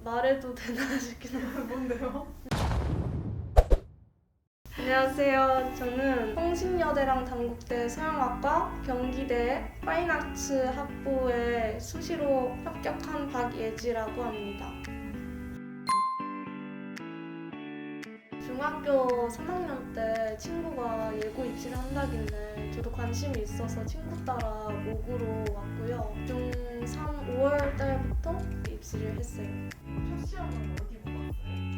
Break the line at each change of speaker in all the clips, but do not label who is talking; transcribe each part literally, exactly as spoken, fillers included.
말해도 되나 싶긴 해요.
뭔데요?
안녕하세요. 저는 성신여대랑 단국대 서영학과, 경기대 파인아츠 학부에 수시로 합격한 박예지라고 합니다. 중학교 삼 학년 때 친구가 예고 입시를 한다길래 저도 관심이 있어서 친구 따라 목으로 왔고요. 중삼 오월 달부터 입시를 했어요.
첫 시험은 어디 보고 왔어요?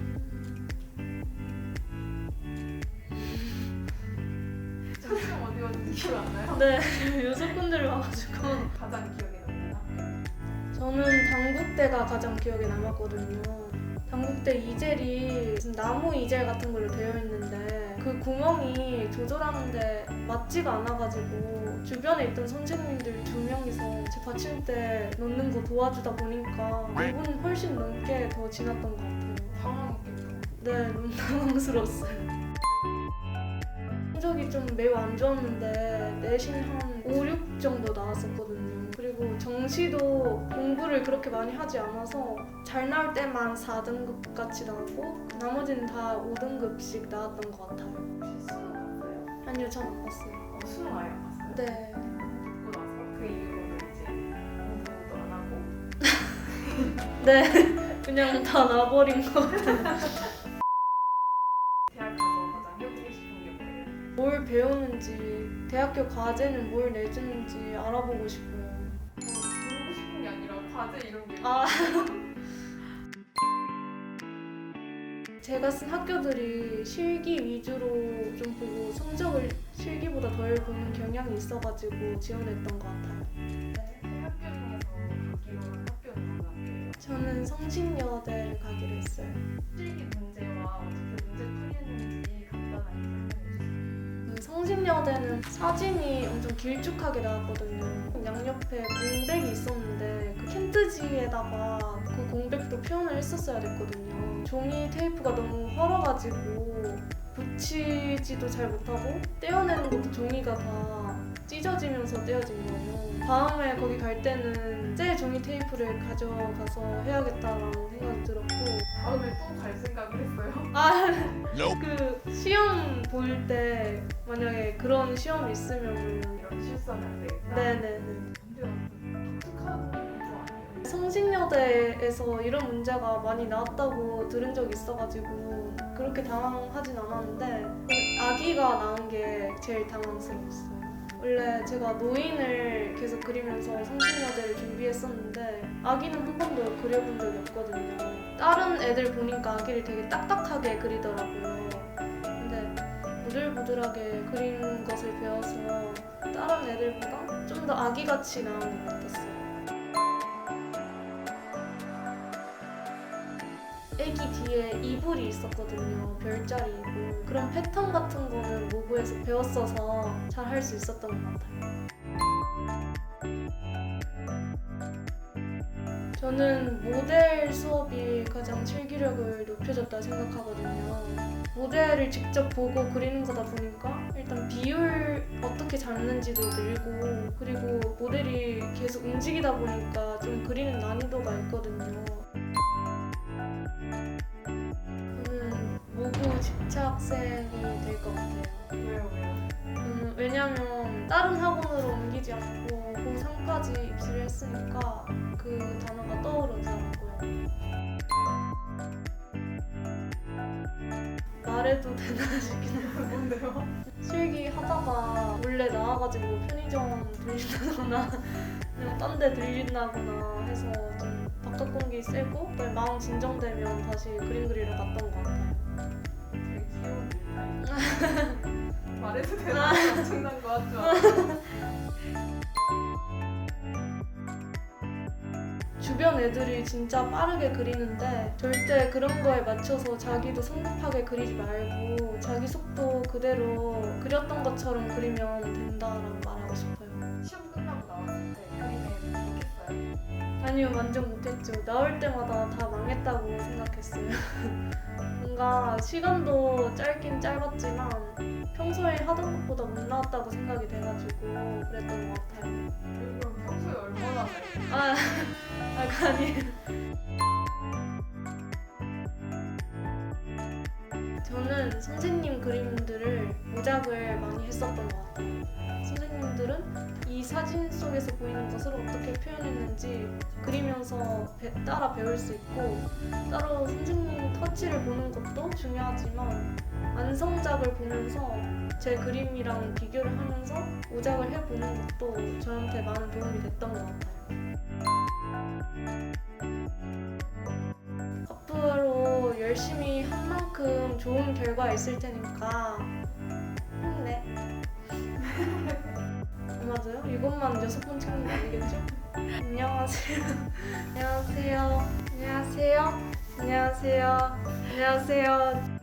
첫 시험 어디 왔는지 기억 안 나요?
네, 요소꾼들을 와가지고
가장 기억에 남는 학교?
저는 단국대가 가장 기억에 남았거든요. 단국대 이젤이 무슨 나무 이젤 같은 걸로 되어 있는데 그 구멍이 조절하는데 맞지가 않아가지고 주변에 있던 선생님들 두 명이서 제 받침대 넣는 거 도와주다 보니까 오 분 훨씬 넘게 더 지났던 것 같아요.
당황했겠죠?
네, 너무 당황스러웠어요. 성적이 좀 매우 안 좋았는데 내신 한 오, 육 정도 나왔었거든요. 그리고 정시도 공부를 그렇게 많이 하지 않아서 잘 나올 때만 사 등급 같이 나오고 나머지는 다 오 등급씩 나왔던 것 같아요.
혹시 수능 봤어요?
아니요, 전 안 봤어요.
어, 수능 아예 안 봤어요?
네.
듣고 나서 그 이후로는 이제 공부도 안 하고
네. 그냥 다 나버린 것 같아요.
대학 가서 가장 해보고 싶은 게 뭐예요?
뭘 배우는지, 대학교 과제는 뭘 내주는지 알아보고 싶어요.
어, 배우고 싶은 게 아니라 과제 이런 게
아. 제가 쓴 학교들이 실기 위주로 좀 보고 성적을 실기보다 덜 보는 경향이 있어가지고 지원했던 것 같아요.
세 학교 중에서 가기로 한 학교는 어느 학교예요?
저는 성신여대를 가기로 했어요.
실기 문제와 어떻게 문제 풀이했는지 간단하게 설명해 주세요.
그 성신여대는 사진이 엄청 길쭉하게 나왔거든요. 양옆에 공백이 있었는데 그 캔트지에다가 그 공백도 표현을 했었어야 됐거든요. 종이 테이프가 너무 헐어가지고 붙이지도 잘 못하고 떼어내는 것도 종이가 다 찢어지면서 떼어진 거예요. 다음에 거기 갈 때는 새 종이 테이프를 가져가서 해야겠다라는 생각이 들었고
다음에 또 갈 생각을 했어요?
아, 그 시험 볼 때 만약에 그런 시험이 있으면
이런 실수하면 안 되겠다.
네네네.
문제가 좀 독특한 공부 아니에요?
성신여대에서 이런 문제가 많이 나왔다고 들은 적이 있어가지고 그렇게 당황하진 않았는데 아기가 나온 게 제일 당황스러웠어요. 원래 제가 노인을 계속 그리면서 성신여대를 준비했었는데 아기는 한 번도 그려본 적이 없거든요. 다른 애들 보니까 아기를 되게 딱딱하게 그리더라고요. 근데 부들부들하게 그리는 것을 배워서 다른 애들보다 좀 더 아기같이 나온 것 같았어요. 애기 뒤에 이불이 있었거든요. 별자리 이불. 그런 패턴 같은 거는 모브에서 배웠어서 잘 할 수 있었던 것 같아요. 저는 모델 수업이 가장 실기력을 높여줬다 생각하거든요. 모델을 직접 보고 그리는 거다 보니까 일단 비율 어떻게 잡는지도 늘고 그리고 모델이 계속 움직이다 보니까 좀 그리는 난이도가 있거든요. 저는 모브 집착생이 될 것 같아요.
왜요 왜요?
음, 왜냐면 다른 학원으로 옮기지 않고 고삼까지 입시를 했으니까 그 단어가 떠오르더라고요. 말해도 되나 싶긴 해요.
뭔데요?
실기 하다가 몰래 나와가지고 편의점 들린다거나 그냥 딴 데 들린다거나 해서 좀 바깥 공기 쐬고 마음 진정되면 다시 그림 그리러 갔던 것 같아요.
되게 귀여운 일이다. 말해도 되나? 엄청난 거 같죠?
주변 애들이 진짜 빠르게 그리는데 절대 그런 거에 맞춰서 자기도 성급하게 그리지 말고 자기 속도 그대로 그렸던 것처럼 그리면 된다라고 말하고 싶어요.
시험 끝나고 나왔을 때 그림에 좋겠어요?
아니요, 완전 못했죠. 나올 때마다 다 망했다고 생각했어요. 뭔가 시간도 짧긴 짧았지만 평소에 하던 것보다 못 나왔다고 생각이 돼가지고 그랬던 것 같아요.
그럼 평소에 얼마나
아, 아, 아니에요. 저는 선생님 그림들을 모작을 많이 했었던 것 같아요. 선생님들은 이 사진 속에서 보이는 것을 어떻게 표현했는지 그리면서 배- 따라 배울 수 있고, 따로 선생님 터치를 보는 것도 중요하지만 완성작을 보면서 제 그림이랑 비교를 하면서 모작을 해보는 것도 저한테 많은 도움이 됐던 것 같아요. 앞으로 열심히 한 만큼 좋은 결과 있을 테니까 힘내. 맞아요? 이것만 여섯 번 찍는 거 아니겠죠? 안녕하세요. 안녕하세요. 안녕하세요. 안녕하세요. 안녕하세요.